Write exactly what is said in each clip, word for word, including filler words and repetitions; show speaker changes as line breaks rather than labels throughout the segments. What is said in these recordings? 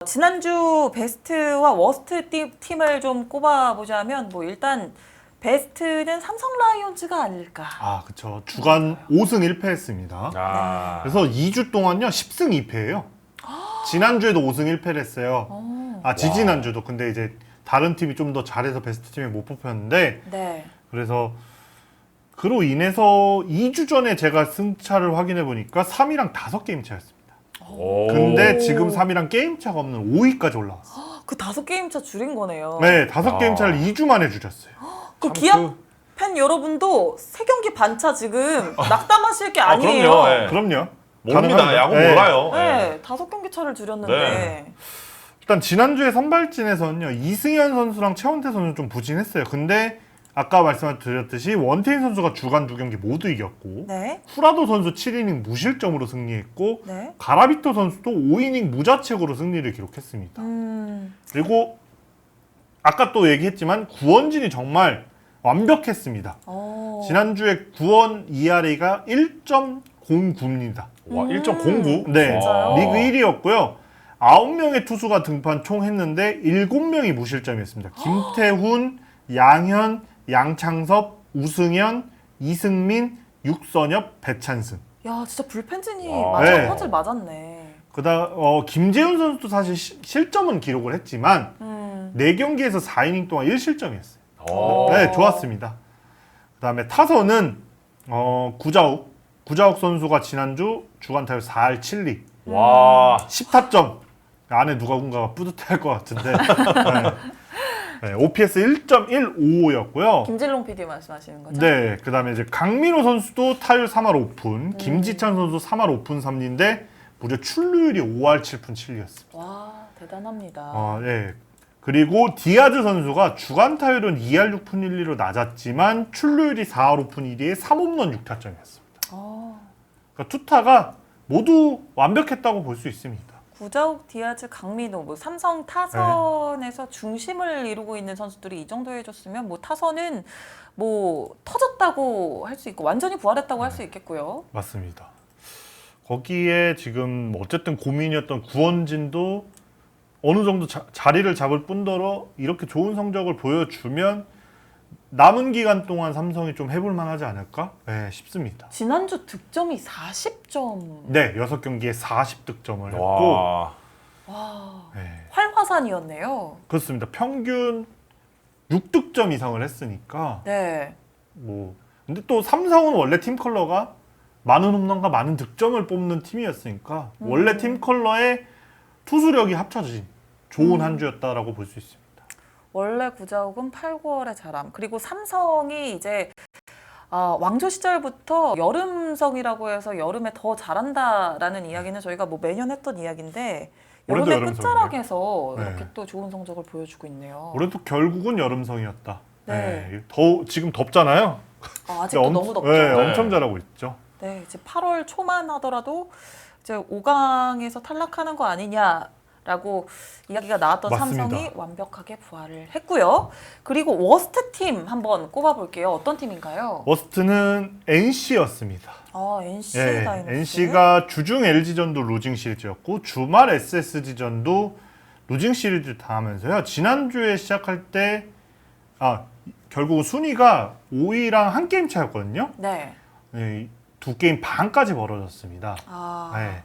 지난주 베스트와 워스트 팀, 팀을 좀 꼽아보자면 뭐 일단 베스트는 삼성 라이온즈가 아닐까.
아, 그쵸. 주간 오승 일 패했습니다.
아.
그래서 이 주 동안요, 십승 이 패예요. 지난주에도 오승 일 패를 했어요.
오.
아, 지지난주도. 근데 이제 다른 팀이 좀 더 잘해서 베스트 팀에 못 뽑혔는데,
네.
그래서 그로 인해서 이 주 전에 제가 승차를 확인해 보니까 삼 위랑 다섯 게임 차였습니다.
오.
근데 지금 삼 위랑 게임 차가 없는 오 위까지 올라왔어요.
그 다섯 게임 차 줄인 거네요.
네, 다섯 게임
아.
차를 이 주 만에 줄였어요.
그
참
기아
그-
팬 여러분도 세 경기 반차 지금 낙담하실 게
아,
아니에요.
그럼요. 네.
그럼요.
모릅니다.
가능합니다.
야구
네.
몰라요.
네, 다섯 경기 차를 줄였는데.
네.
일단 지난주에 선발진에서는요, 이승현 선수랑 최원태 선수는 좀 부진했어요. 근데 아까 말씀드렸듯이 원태인 선수가 주간 두 경기 모두 이겼고,
네.
후라도 선수 칠 이닝 무실점으로 승리했고,
네.
가라비토 선수도 오 이닝 무자책으로 승리를 기록했습니다.
음.
그리고 아까 또 얘기했지만 구원진이 정말 완벽했습니다.
어.
지난주에 구원 이알에이가 일 점 공구입니다.
와,
음.
일 점 공구?
네,
진짜요?
리그 일 위였고요. 아홉 명의 투수가 등판 총 했는데 일곱 명이 무실점이었습니다. 김태훈, 양현, 양창섭, 우승현, 이승민, 육선엽, 배찬승.
야, 진짜 불펜진이
와.
맞아
네.
퍼즐 맞았네.
그다음 어, 김재훈 선수도 사실 시, 실점은 기록을 했지만
음.
네 경기에서 사 이닝 동안 일 실점이었어요.
오.
네, 좋았습니다. 그다음에 타선은 어, 구자욱, 구자욱 선수가 지난주 주간 타율 사 할 칠 리,
와.
십 타점. 안에 누군가가 뿌듯해할 것 같은데. 네. 네, 오피에스 일 점 일오오였고요.
김진롱 피디 말씀하시는 거죠?
네, 그다음에 이제 강민호 선수도 타율 삼 할 오 푼, 김지찬 선수 삼 할 오 푼 삼 리인데 무려 출루율이 오 할 칠 푼 칠 리였습니다.
와, 대단합니다.
어, 네. 그리고 디아즈 선수가 주간 타율은 이 할 육 푼 일 리로 낮았지만 출루율이 사 할 오 푼 일 리에 삼 홈런 육 타점이었습니다.
어.
그러니까 투타가 모두 완벽했다고 볼 수 있습니다.
구자욱, 디아즈, 강민호, 뭐 삼성 타선에서 중심을 이루고 있는 선수들이 이 정도 해줬으면 뭐 타선은 뭐 터졌다고 할 수 있고 완전히 부활했다고 할 수 있겠고요.
맞습니다. 거기에 지금 어쨌든 고민이었던 구원진도 어느 정도 자, 자리를 잡을 뿐더러 이렇게 좋은 성적을 보여주면 남은 기간 동안 삼성이 좀 해볼 만하지 않을까 네, 싶습니다.
지난주 득점이 사십 점.
네, 여섯 경기에 사십 득점을 했고
와.
와,
네,
활화산이었네요.
그렇습니다. 평균 육 득점 이상을 했으니까
네.
뭐 근데 또 삼성은 원래 팀 컬러가 많은 홈런과 많은 득점을 뽑는 팀이었으니까
음.
원래 팀 컬러에 투수력이 합쳐진 좋은
음.
한 주였다라고 볼 수 있습니다.
원래 구자욱은 팔, 구월의 자람. 그리고 삼성이 이제 아, 왕조 시절부터 여름성이라고 해서 여름에 더 잘한다라는 이야기는 저희가 뭐 매년 했던 이야기인데
올해도
여름의
여름성이에요.
끝자락에서
네.
이렇게 또 좋은 성적을 보여주고 있네요.
올해도 결국은 여름성이었다.
네.
네, 더 지금 덥잖아요.
아, 아직도
엄-
너무 덥죠.
네,
네.
엄청 잘하고 있죠.
이제 팔월 초만 하더라도 이제 오 강에서 탈락하는 거 아니냐라고 이야기가 나왔던
맞습니다.
삼성이 완벽하게 부활을 했고요. 그리고 워스트 팀 한번 꼽아볼게요. 어떤 팀인가요?
워스트는 엔씨였습니다.
아, 엔씨
예,
다이노스.
엔씨가 주중 엘지전도 루징 시리즈였고 주말 에스에스지전도 루징 시리즈 당하면서요. 지난주에 시작할 때 아, 결국 순위가 오 위랑 한 게임 차였거든요.
네.
네, 두 게임 반까지 벌어졌습니다.
아,
네.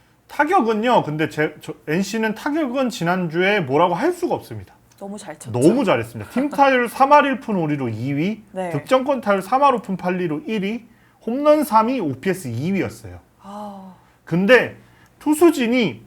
타격은요. 근데 제, 저, 엔씨는 타격은 지난주에 뭐라고 할 수가 없습니다.
너무 잘 쳤죠.
너무 잘했습니다. 팀 타율 삼 할 일 푼 오 리로 이 위,
네.
득점권 타율 삼 할 오 푼 팔 리로 일 위, 홈런 삼 위, 오피에스 이 위였어요.
아,
근데 투수진이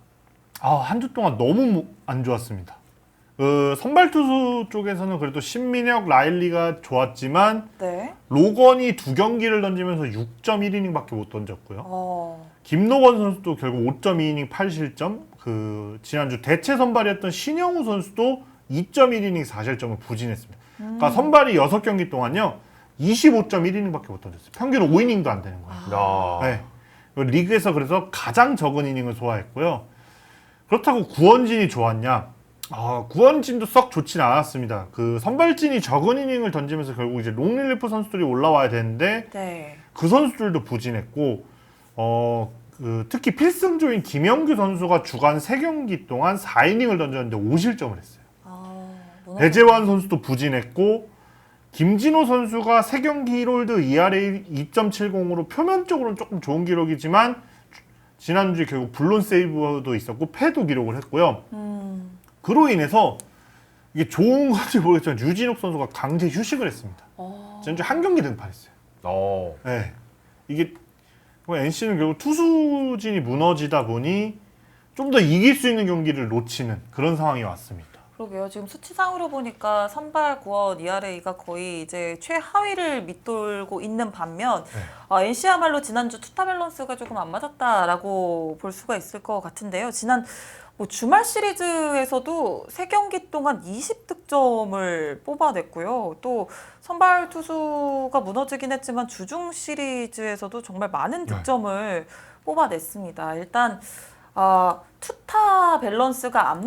아, 한 주 동안 너무 안 좋았습니다. 어, 선발 투수 쪽에서는 그래도 신민혁, 라일리가 좋았지만
네.
로건이 두 경기를 던지면서 육 점 일 이닝밖에 못 던졌고요.
어,
김노건 선수도 결국 오 점 이 이닝 팔 실점. 그 지난주 대체 선발이었던 신영우 선수도 이 점 일 이닝 사 실점을 부진했습니다. 그러니까 선발이 여섯 경기 동안요 이십오 점 일 이닝밖에 못 던졌어요. 평균 오 이닝도 안 되는 거예요.
야.
네. 리그에서 그래서 가장 적은 이닝을 소화했고요. 그렇다고 구원진이 좋았냐? 아, 구원진도 썩 좋진 않았습니다. 그 선발진이 적은 이닝을 던지면서 결국 이제 롱릴리프 선수들이 올라와야 되는데
네.
그 선수들도 부진했고, 어, 그 그 특히 필승조인 김영규 선수가 주간 세 경기 동안 사 이닝을 던졌는데 오 실점을 했어요.
아,
배재환 선수도 부진했고 김진호 선수가 세 경기 일 홀드 이알에이 이 점 칠공으로 표면적으로는 조금 좋은 기록이지만 지난주에 결국 블론 세이브도 있었고 패도 기록을 했고요.
음.
그로 인해서 이게 좋은 건지 모르겠지만 유진욱 선수가 강제 휴식을 했습니다.
어.
지난주에 한 경기 등판했어요.
어.
네. 이게 엔씨는 결국 투수진이 무너지다 보니 좀 더 이길 수 있는 경기를 놓치는 그런 상황이 왔습니다.
그러게요. 지금 수치상으로 보니까 선발 구원 이알에이가 거의 이제 최하위를 밑돌고 있는 반면
네.
아, 엔씨야말로 지난주 투타 밸런스가 조금 안 맞았다라고 볼 수가 있을 것 같은데요. 지난 뭐 주말 시리즈에서도 세 경기 동안 이십 득점을 뽑아냈고요. 또 선발 투수가 무너지긴 했지만 주중 시리즈에서도 정말 많은 득점을 네. 뽑아냈습니다. 일단 아, 투타 밸런스가 안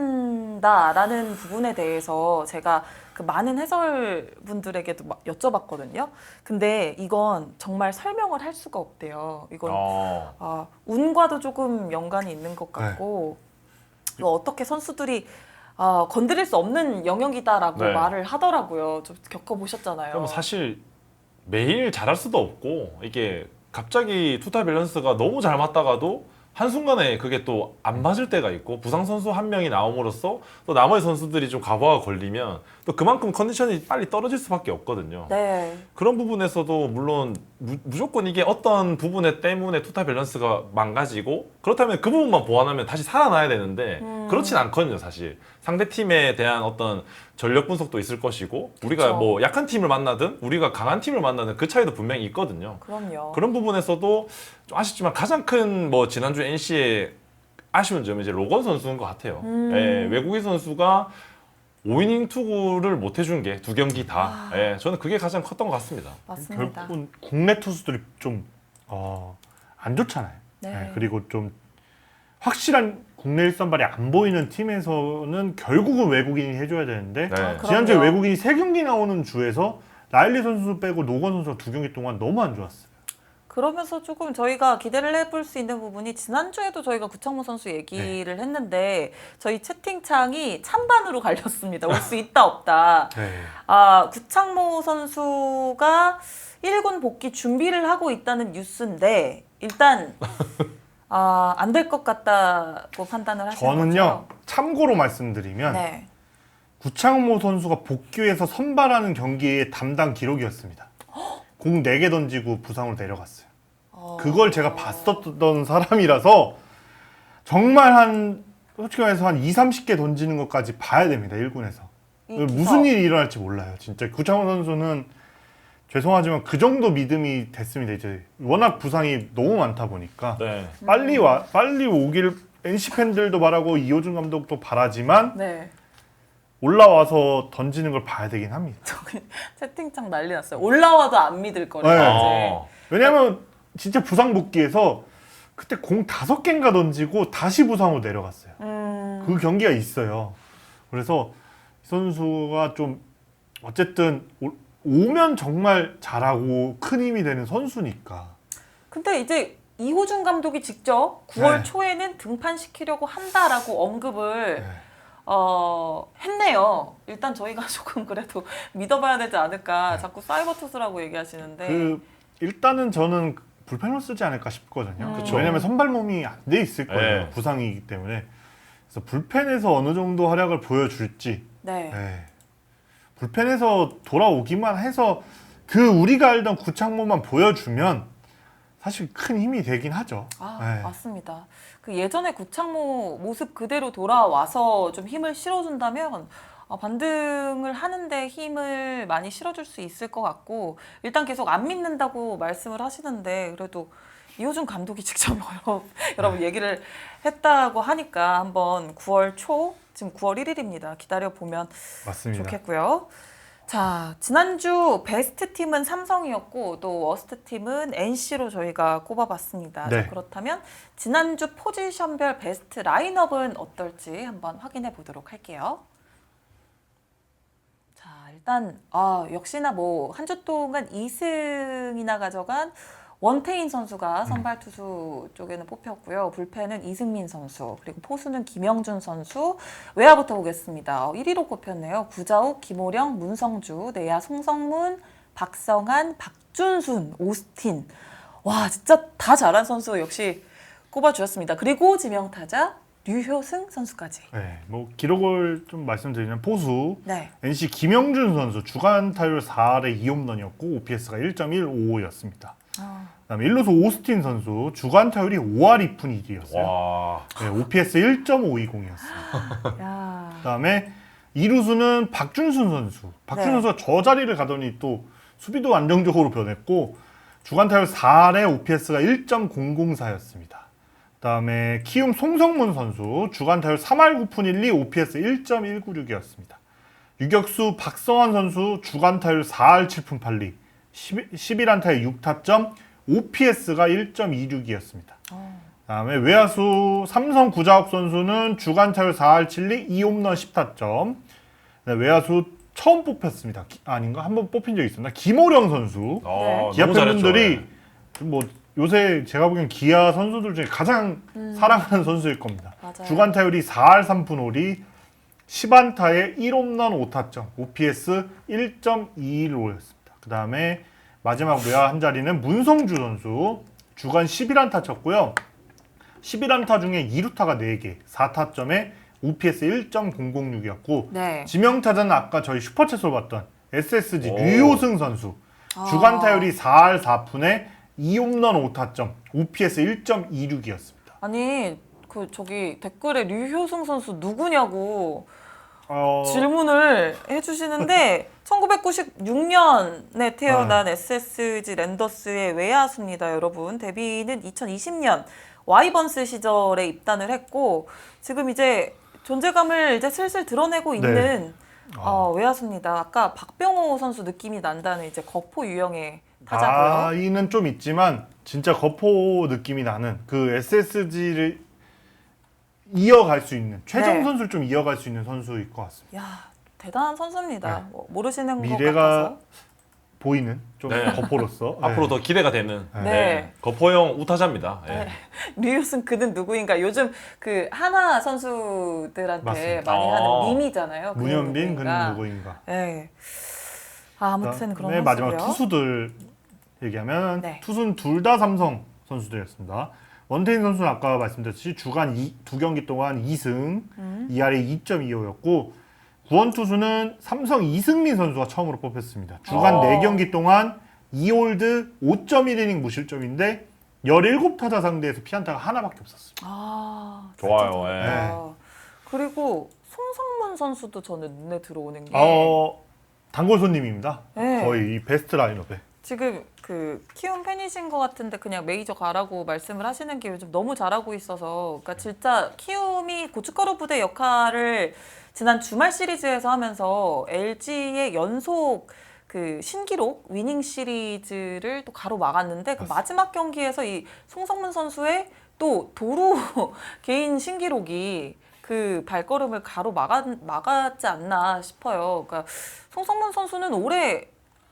맞는다라는 부분에 대해서 제가 그 많은 해설분들에게도 막 여쭤봤거든요. 근데 이건 정말 설명을 할 수가 없대요. 이건
어.
아, 운과도 조금 연관이 있는 것 같고
네.
이거 어떻게 선수들이 아, 건드릴 수 없는 영역이다라고
네.
말을 하더라고요. 좀 겪어보셨잖아요.
그럼 사실 매일 잘할 수도 없고 이게 갑자기 투타 밸런스가 너무 잘 맞다가도 한순간에 그게 또 안 맞을 때가 있고 부상 선수 한 명이 나옴으로써 또 나머지 선수들이 좀 과부하가 걸리면 또 그만큼 컨디션이 빨리 떨어질 수밖에 없거든요.
네.
그런 부분에서도 물론 무, 무조건 이게 어떤 부분에 때문에 투타 밸런스가 망가지고 그렇다면 그 부분만 보완하면 다시 살아나야 되는데
음.
그렇진 않거든요. 사실 상대 팀에 대한 어떤 전력 분석도 있을 것이고 우리가
그쵸.
뭐 약한 팀을 만나든 우리가 강한 팀을 만나든 그 차이도 분명히 있거든요.
그럼요.
그런 부분에서도 좀 아쉽지만 가장 큰 뭐 지난주 엔씨의 아쉬운 점은 이제 로건 선수인 것 같아요.
음.
예, 외국인 선수가 오 이닝 투구를 못 해준 게 두 경기 다.
아.
예, 저는 그게 가장 컸던 것 같습니다.
맞습니다.
결국은 국내 투수들이 좀 어, 안 좋잖아요.
네.
네, 그리고 좀 확실한 국내 일선발이 안 보이는 팀에서는 결국은 외국인이 해줘야 되는데
네.
아,
지난주에
그럼요.
외국인이 세 경기 나오는 주에서 라일리 선수 빼고 노건 선수가 두 경기 동안 너무 안 좋았어요.
그러면서 조금 저희가 기대를 해볼 수 있는 부분이 지난주에도 저희가 구창모 선수 얘기를 했는데 저희 채팅창이 찬반으로 갈렸습니다. 올 수 있다 없다.
네.
아, 구창모 선수가 일 군 복귀 준비를 하고 있다는 뉴스인데 일단 아, 안 될 것 같다고 판단을 하시는
저는요
거죠?
참고로 말씀드리면
네.
구창모 선수가 복귀해서 선발하는 경기의 담당 기록이었습니다. 공 네 개 던지고 부상으로 내려갔어요.
어...
그걸 제가 봤었던 사람이라서 정말 한 솔직히 말해서 한 이삼십 개 던지는 것까지 봐야 됩니다. 일 군에서.
이
무슨
기사-
일이 일어날지 몰라요. 진짜 구창모 선수는 죄송하지만 그 정도 믿음이 됐습니다. 이제 워낙 부상이 너무 많다 보니까
네.
빨리 와 빨리 오길 엔씨 팬들도 바라고 이호준 감독도 바라지만
네.
올라와서 던지는 걸 봐야 되긴 합니다.
저기 채팅창 난리 났어요. 올라와도 안 믿을 거래요.
네.
이제.
어.
왜냐면 진짜 부상 복귀해서 그때 공 다섯 개인가 던지고 다시 부상으로 내려갔어요.
음...
그 경기가 있어요. 그래서 이 선수가 좀 어쨌든 오, 오면 정말 잘하고 큰 힘이 되는 선수니까.
근데 이제 이호준 감독이 직접 구월
네.
초에는 등판시키려고 한다라고 언급을
네.
어, 했네요. 일단 저희가 조금 그래도 믿어봐야 되지 않을까.
네.
자꾸 사이버 투수라고 얘기하시는데.
그 일단은 저는 불펜으로 쓰지 않을까 싶거든요.
음.
그쵸.
왜냐면 선발 몸이 안 돼 있을 거예요.
네.
부상이기 때문에. 그래서 불펜에서 어느 정도 활약을 보여줄지.
네.
네. 불펜에서 돌아오기만 해서 그 우리가 알던 구창모만 보여주면 사실 큰 힘이 되긴 하죠.
아,
네.
맞습니다. 그 예전에 구창모 모습 그대로 돌아와서 좀 힘을 실어준다면 어, 반등을 하는데 힘을 많이 실어줄 수 있을 것 같고 일단 계속 안 믿는다고 말씀을 하시는데 그래도 이호준 감독이 직접 여러, 여러분 얘기를 했다고 하니까 한번 구월 초 지금 구월 일일입니다. 기다려 보면
맞습니다.
좋겠고요. 자, 지난주 베스트 팀은 삼성이었고 또 워스트 팀은 엔씨로 저희가 꼽아봤습니다.
네.
자, 그렇다면 지난주 포지션별 베스트 라인업은 어떨지 한번 확인해 보도록 할게요. 자, 일단 아, 역시나 뭐 한 주 동안 이 승이나 가져간 원태인 선수가 선발 투수 쪽에는 뽑혔고요. 불펜은 이승민 선수, 그리고 포수는 김영준 선수. 외야부터 보겠습니다. 일 위로 꼽혔네요. 구자욱, 김호령, 문성주, 내야 송성문, 박성한, 박준순, 오스틴. 와, 진짜 다 잘한 선수 역시 꼽아주셨습니다. 그리고 지명타자 류효승 선수까지.
네, 뭐 기록을 좀 말씀드리면 포수
네.
엔씨 김영준 선수 주간 타율 사 할에 이 홈런이었고 오피에스가 일 점 일오오였습니다.
아,
그다음에 일루수 오스틴 선수 주간 타율이 오 할 이 푼 일 리였어요.
와.
네, 오피에스 일 점 오이공이었습니다.
야.
그다음에 이루수는 박준순 선수. 박준순
네.
선수가 저 자리를 가더니 또 수비도 안정적으로 변했고 주간 타율 사 할에 오피에스가 일 점 공공사였습니다. 그다음에 키움 송성문 선수 주간 타율 삼 할 구 푼 일 리 오피에스 일 점 일구육이었습니다. 유격수 박성환 선수 주간 타율 사 할 칠 푼 팔 리 십일 안타에 육 타점 오피에스가 일 점 이육이었습니다.
어.
그다음에 외야수 삼성 구자욱 선수는 주간 타율 사 할 칠 리 이 홈런 십 타점. 네, 외야수 처음 뽑혔습니다. 기, 아닌가? 한번 뽑힌 적이 있었나? 김호령 선수.
어,
기아
너무 잘했죠.
팬분들이
네.
좀뭐 요새 제가 보기엔 기아 선수들 중에 가장
음.
사랑하는 선수일 겁니다.
맞아요.
주간 타율이 사 할 삼 푼 오 리 십 안타에 일 홈런 오 타점 오피에스 일 점 이일오였습니다. 그 다음에 마지막 외야 한 자리는 문성주 선수 주간 십일 안타 쳤고요. 십일 안타 중에 이 루타가 네 개 사 타점에 오피에스 일 점 공공육이었고
네.
지명타자는 아까 저희 슈퍼챗으로 봤던 에스에스지
오.
류효승 선수
아.
주간 타율이 사 할 사 푼에 이 홈런 오 타점 오피에스 일 점 이육이었습니다.
아니 그 저기 댓글에 류효승 선수 누구냐고
어...
질문을 해주시는데 천구백구십육 년에 태어난 에스에스지 랜더스의 외야수입니다, 여러분. 데뷔는 이천이십 년 와이번스 시절에 입단을 했고 지금 이제 존재감을 이제 슬슬 드러내고
네.
있는
아.
어, 외야수입니다. 아까 박병호 선수 느낌이 난다는 이제 거포 유형의 타자고요.
나이는 좀 있지만 진짜 거포 느낌이 나는 그 에스에스지를 이어갈 수 있는 최정
네.
선수를 좀 이어갈 수 있는 선수일 것 같습니다.
야 대단한 선수입니다.
네.
뭐 모르시는 것
미래가
같아서.
보이는 좀
네.
거포로서
앞으로
네.
더 기대가 되는
네.
네. 거포형 우타자입니다. 예.
네. 류효승 그는 누구인가? 요즘 그 하나 선수들한테
맞습니다.
많이
아.
하는 밈이잖아요. 그는
문현빈 그는
누구인가?
누구인가.
네. 아, 아무튼 그런
네, 마지막
선수고요.
투수들 얘기하면
네.
투수는 둘 다 삼성 선수들이었습니다. 원태인 선수는 아까 말씀드렸듯이 주간 이, 두 경기 동안 이 승,
음.
이 할에 이 점 이오였고 구원 투수는 삼성 이승민 선수가 처음으로 뽑혔습니다. 주간
어.
네 경기 동안 이 홀드 오 점 일 이닝 무실점인데 열일곱 타자 상대에서 피안타가 하나밖에 없었습니다.
아,
좋아요,
진짜
예.
잘한다. 그리고 송성문 선수도 저는 눈에 들어오는 게
어, 단골 손님입니다.
네.
거의 이 베스트 라인업에.
지금 그 키움 팬이신 것 같은데 그냥 메이저 가라고 말씀을 하시는 게 요즘 너무 잘하고 있어서 그러니까 진짜 키움이 고춧가루 부대 역할을 지난 주말 시리즈에서 하면서 엘지의 연속 그 신기록 위닝 시리즈를 또 가로막았는데 그 마지막 경기에서 이 송성문 선수의 또 도루 개인 신기록이 그 발걸음을 가로막았 막았지 않나 싶어요. 그러니까 송성문 선수는 올해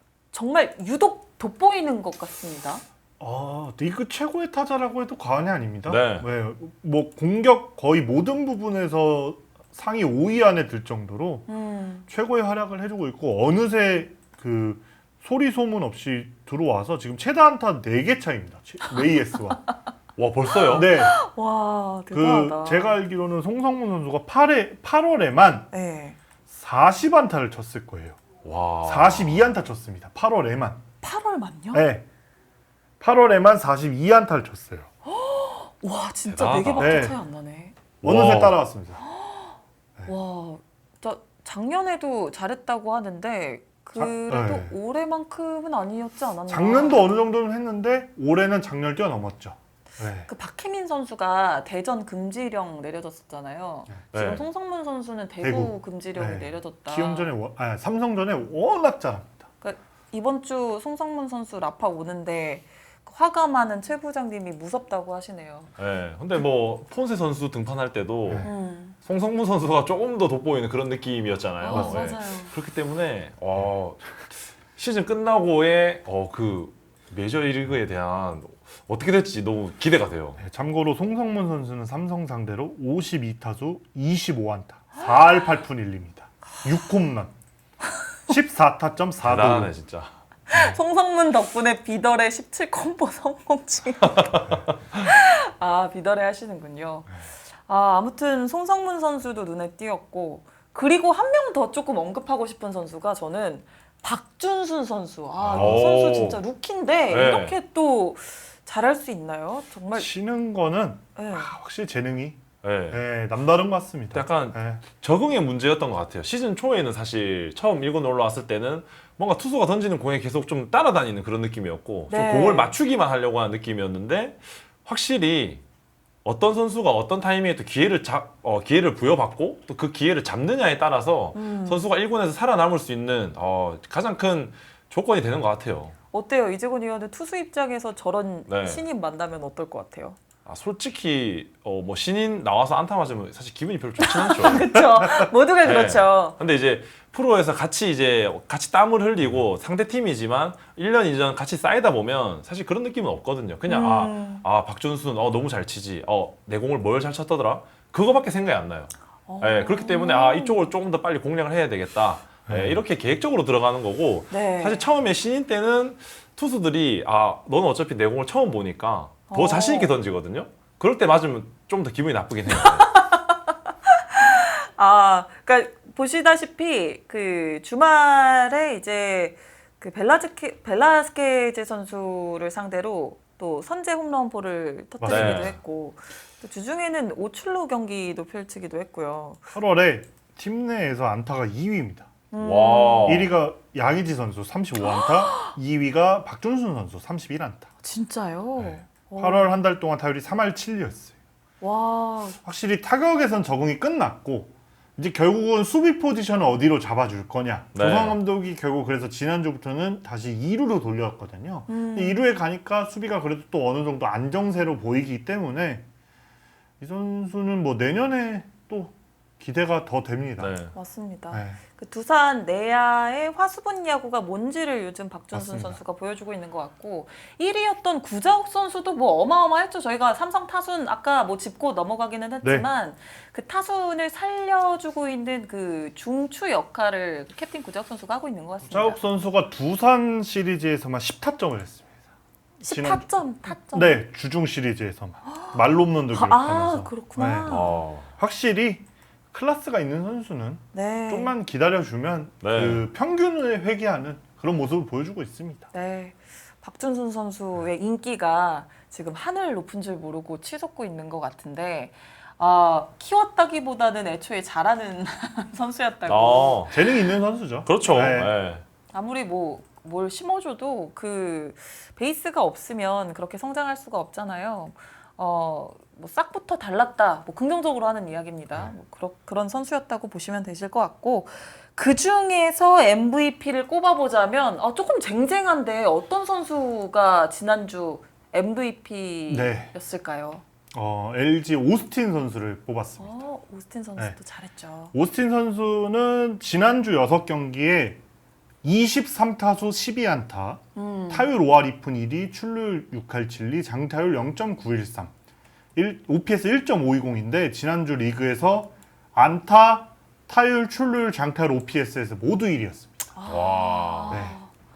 정말 유독 돋보이는 것 같습니다.
아, 리그 최고의 타자라고 해도 과언이 아닙니다.
네.
뭐 공격 거의 모든 부분에서 상위 오 위 안에 들 정도로
음.
최고의 활약을 해주고 있고 어느새 그 소리 소문 없이 들어와서 지금 최다 안타 네 개 차입니다. 웨이에스와.
와 벌써요?
네.
와
그
대단하다.
제가 알기로는 송성문 선수가 팔회, 팔월에만
네.
사십 안타를 쳤을 거예요.
와.
사십이 안타 쳤습니다. 팔월에만.
팔월만요?
네. 팔월에만 사십이 안타를 쳤어요.
와 진짜
대단하다.
네 개밖에
네.
차이 안 나네.
어느새
와.
따라왔습니다.
와, 저 작년에도 잘했다고 하는데 그래도
자, 네.
올해만큼은 아니었지 않았나?
작년도 어느 정도는 했는데 올해는 작년을 뛰어넘었죠. 네.
그 박혜민 선수가 대전 금지령 내려졌었잖아요.
네.
지금 송성문 선수는 대구,
대구.
금지령이
네.
내려졌다.
키움전에 워- 아, 삼성전에 워낙 잘합니다.
그러니까 이번 주 송성문 선수 라파 오는데 화가 많은 최 부장님이 무섭다고 하시네요.
네. 근데 뭐 폰세 선수 등판할 때도
네.
음.
송성문 선수가 조금 더 돋보이는 그런 느낌이었잖아요.
어,
네.
맞아요.
그렇기 때문에 어, 시즌 끝나고의 어, 그 메이저리그에 대한 어떻게 될지 너무 기대가 돼요.
네, 참고로 송성문 선수는 삼성 상대로 오십이 타수 이십오 안타 사 할 팔 푼 일 리입니다. 육 홈런 십사 타점 사
대단하네
도루.
진짜.
송성문 덕분에 비더레 십칠 콤보 성공 중. 아, 비더레 하시는군요. 아, 아무튼 송성문 선수도 눈에 띄었고, 그리고 한 명 더 조금 언급하고 싶은 선수가 저는 박준순 선수. 아, 이
오.
선수 진짜 루키인데
네.
이렇게 또 잘할 수 있나요? 정말.
치는 거는
네.
확실히 재능이
네.
네, 남다른 것 같습니다.
약간
네.
적응의 문제였던 것 같아요. 시즌 초에는 사실 처음 일군 올라왔을 때는 뭔가 투수가 던지는 공에 계속 좀 따라다니는 그런 느낌이었고
네.
좀 공을 맞추기만 하려고 하는 느낌이었는데 확실히 어떤 선수가 어떤 타이밍에 또 기회를 잡, 어, 기회를 부여받고 또 그 기회를 잡느냐에 따라서
음.
선수가 일군에서 살아남을 수 있는 어, 가장 큰 조건이 되는 것 같아요.
어때요? 이재곤 위원은 투수 입장에서 저런
네.
신인 만나면 어떨 것 같아요?
아, 솔직히 어, 뭐 신인 나와서 안타 맞으면 사실 기분이 별로 좋진 않죠.
그렇죠. 모두가
네.
그렇죠.
근데 이제 프로에서 같이 이제 같이 땀을 흘리고 상대 팀이지만 일 년, 이 년 같이 쌓이다 보면 사실 그런 느낌은 없거든요. 그냥
음.
아, 아 박준순 어 너무 잘 치지. 어 내 공을 뭘 잘 쳤더라. 그거밖에 생각이 안 나요.
어.
예, 그렇기 때문에 아 이쪽을 조금 더 빨리 공략을 해야 되겠다. 예,
네.
이렇게 계획적으로 들어가는 거고
네.
사실 처음에 신인 때는 투수들이 아 너는 어차피 내 공을 처음 보니까 더
어.
자신 있게 던지거든요. 그럴 때 맞으면 좀 더 기분이 나쁘긴 해요.
아, 그러니까 보시다시피 그 주말에 이제 그 벨라즈케, 벨라스케제 선수를 상대로 또 선제 홈런포를 터뜨리기도
맞아요.
했고 또 주중에는 오출루 경기도 펼치기도 했고요.
팔월에 팀 내에서 안타가 이 위입니다.
음.
와.
일 위가 양의지 선수 삼십오 안타, 이 위가 박준순 선수 삼십일 안타.
진짜요?
네.
오.
팔월 한 달 동안 타율이 삼 할 칠 리였어요.
와,
확실히 타격에선 적응이 끝났고 이제 결국은 수비 포지션을 어디로 잡아줄 거냐.
네.
조상 감독이 결국 그래서 지난주부터는 다시 이 루로 돌렸거든요.
음.
이 루에 가니까 수비가 그래도 또 어느 정도 안정세로 보이기 때문에 이 선수는 뭐 내년에 또 기대가 더 됩니다.
네.
맞습니다.
네.
그 두산 내야의 화수분 야구가 뭔지를 요즘 박준순
맞습니다.
선수가 보여주고 있는 것 같고 일 위였던 구자욱 선수도 뭐 어마어마했죠. 저희가 삼성 타순 아까 뭐 짚고 넘어가기는 했지만
네.
그 타순을 살려주고 있는 그 중추 역할을 캡틴 구자욱 선수가 하고 있는 것 같습니다.
자욱 선수가 두산 시리즈에서만 십 타점을 했습니다.
십
지난-
타점, 타점.
네, 주중 시리즈에서만 말로 홈런도
아,
기록하면서
아, 그렇구나.
네.
어.
확실히 클래스가 있는 선수는
네.
좀만 기다려주면
네.
그 평균을 회귀하는 그런 모습을 보여주고 있습니다.
네. 박준순 선수의 인기가 지금 하늘 높은 줄 모르고 치솟고 있는 것 같은데 아, 키웠다기보다는 애초에 잘하는 선수였다고.
어.
재능 있는 선수죠.
그렇죠.
네.
네.
아무리 뭐 뭘 심어줘도 그 베이스가 없으면 그렇게 성장할 수가 없잖아요. 어, 뭐 싹부터 달랐다. 뭐 긍정적으로 하는 이야기입니다. 뭐 그러, 그런 선수였다고 보시면 되실 것 같고 그 중에서 엠브이피를 꼽아보자면 어, 조금 쟁쟁한데 어떤 선수가 지난주 엠브이피였을까요?
어, 엘지 오스틴 선수를 뽑았습니다.
어, 오스틴 선수도
네.
잘했죠.
오스틴 선수는 지난주 여섯 경기에 이십삼 타수 십이 안타,
음.
타율 오 할 이 푼 일 리, 출루율 육 할 칠 리, 장타율 영 점 구일삼, 오피에스 일 점 오이공인데 지난주 리그에서 안타, 타율, 출루율, 장타율, 오피에스에서 모두 일 위였습니다.
와.
네.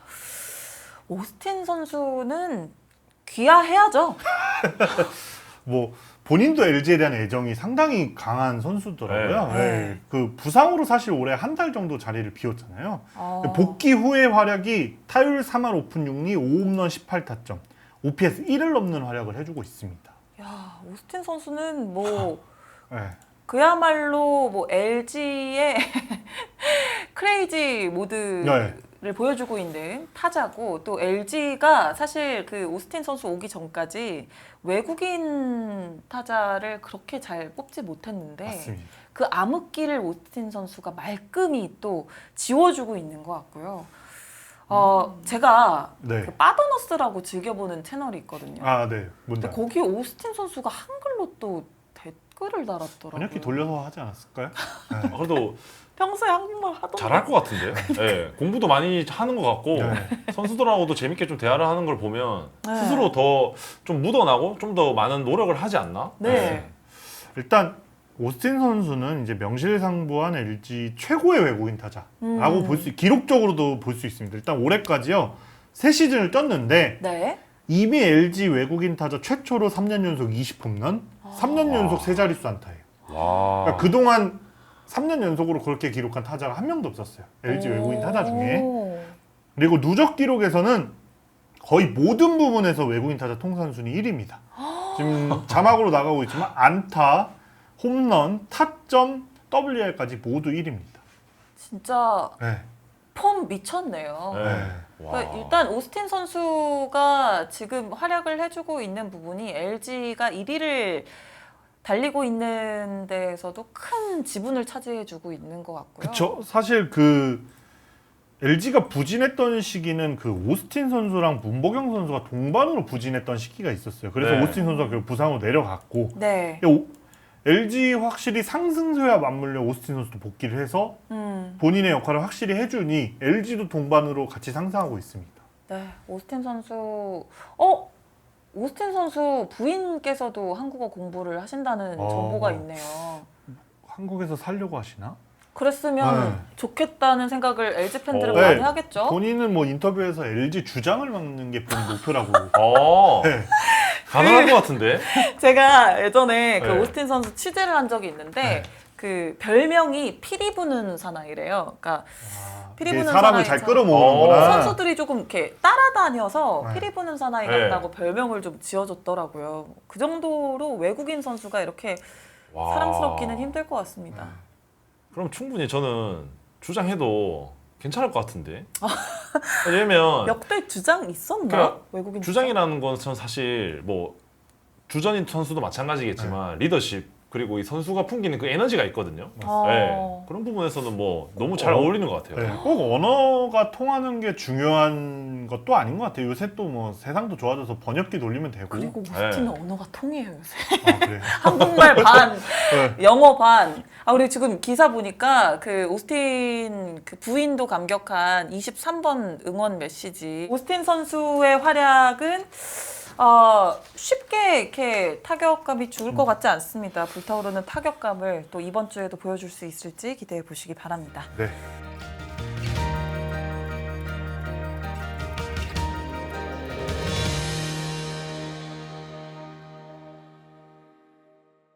오스틴 선수는 귀화해야죠.
뭐 본인도 엘지에 대한 애정이 상당히 강한 선수더라고요.
네.
네. 그 부상으로 사실 올해 한 달 정도 자리를 비웠잖아요.
어.
복귀 후의 활약이 타율 삼 할 오 푼 육 리, 오 홈런 십팔 타점, 오피에스 일을 넘는 활약을 해주고 있습니다.
야, 오스틴 선수는 뭐
네.
그야말로 뭐 엘지의 크레이지 모드를
네.
보여주고 있는 타자고 또 엘지가 사실 그 오스틴 선수 오기 전까지 외국인 타자를 그렇게 잘 뽑지 못했는데
맞습니다.
그 암흑기를 오스틴 선수가 말끔히 또 지워주고 있는 것 같고요. 어, 제가
네.
그 빠더너스라고 즐겨보는 채널이 있거든요.
아, 네. 뭔지
근데
알아요.
거기 오스틴 선수가 한글로 또 대- 댓글을 달았더라고요.
번역기 돌려서 하지 않았을까요? 네.
아, 그래도
평소에 한국말 하던
잘할 것 같은데. 예, 공부도 많이 하는 것 같고
네.
선수들하고도 재밌게 좀 대화를 하는 걸 보면
네.
스스로 더 좀 묻어나고 좀 더 많은 노력을 하지 않나?
네.
일단 오스틴 선수는 이제 명실상부한 엘지 최고의 외국인 타자라고
음.
볼 수, 기록적으로도 볼 수 있습니다. 일단 올해까지요 세 시즌을 뛰었는데
네.
이미 엘지 외국인 타자 최초로 삼 년 연속 이십 홈런, 삼 년 연속 세 자릿수 안타예요.
와.
그러니까 그동안 삼 년 연속으로 그렇게 기록한 타자가 한 명도 없었어요. 엘지 외국인 타자 중에.
오.
그리고 누적 기록에서는 거의 모든 부분에서 외국인 타자 통산 순위 일 위입니다. 지금 자막으로 나가고 있지만 안타, 홈런, 타점, 더블유알까지 모두 일 위입니다.
진짜
네.
폼 미쳤네요.
네.
네.
와.
그러니까 일단 오스틴 선수가 지금 활약을 해주고 있는 부분이 엘지가 일 위를 달리고 있는 데에서도 큰 지분을 차지해주고 있는 것 같고요.
그쵸. 사실 그 엘지가 부진했던 시기는 그 오스틴 선수랑 문보경 선수가 동반으로 부진했던 시기가 있었어요. 그래서
네.
오스틴 선수가 결국 부상으로 내려갔고
네.
오- 엘지 확실히 상승세와 맞물려 오스틴 선수도 복귀를 해서
음.
본인의 역할을 확실히 해주니 엘지도 동반으로 같이 상승하고 있습니다.
네. 오스틴 선수. 어? 오스틴 선수 부인께서도 한국어 공부를 하신다는
어.
정보가 있네요.
한국에서 살려고 하시나?
그랬으면
네.
좋겠다는 생각을 엘지 팬들은
어.
많이
네.
하겠죠.
본인은 뭐 인터뷰에서 엘지 주장을 맡는 게 본인 목표라고.
어.
네.
가능할 것 같은데.
제가 예전에 그
네.
오스틴 선수 취재를 한 적이 있는데
네.
그 별명이 피리 부는 사나이래요. 그러니까
아,
피리
이게
부는
사람을
사나이
잘
참-
끌어모으는구나.
선수들이 조금 이렇게 따라다녀서
네.
피리 부는 사나이
네.
같다고 별명을 좀 지어줬더라고요. 그 정도로 외국인 선수가 이렇게
와.
사랑스럽기는 힘들 것 같습니다.
그럼 충분히 저는 주장해도 괜찮을 것 같은데. 왜냐면
역대 주장 있었나?
그러니까
외국인
주장이라는 것은 사실 뭐 주전인 선수도 마찬가지겠지만 리더십 그리고 이 선수가 풍기는 그 에너지가 있거든요.
어.
네. 그런 부분에서는 뭐 너무 잘
어.
어울리는 것 같아요.
네, 꼭 언어가 통하는 게 중요한 것도 아닌 것 같아요. 요새 또 뭐 세상도 좋아져서 번역기 돌리면 되고.
그리고
네.
오스틴은 언어가 통해요 요새.
아, 그래.
한국말 반,
네.
영어 반. 아, 우리 지금 기사 보니까 그 오스틴 그 부인도 감격한 이십삼 번 응원 메시지. 오스틴 선수의 활약은 어, 쉽게 이렇게 타격감이 죽을 것 같지 않습니다. 불타오르는 타격감을 또 이번 주에도 보여줄 수 있을지 기대해 보시기 바랍니다.
네.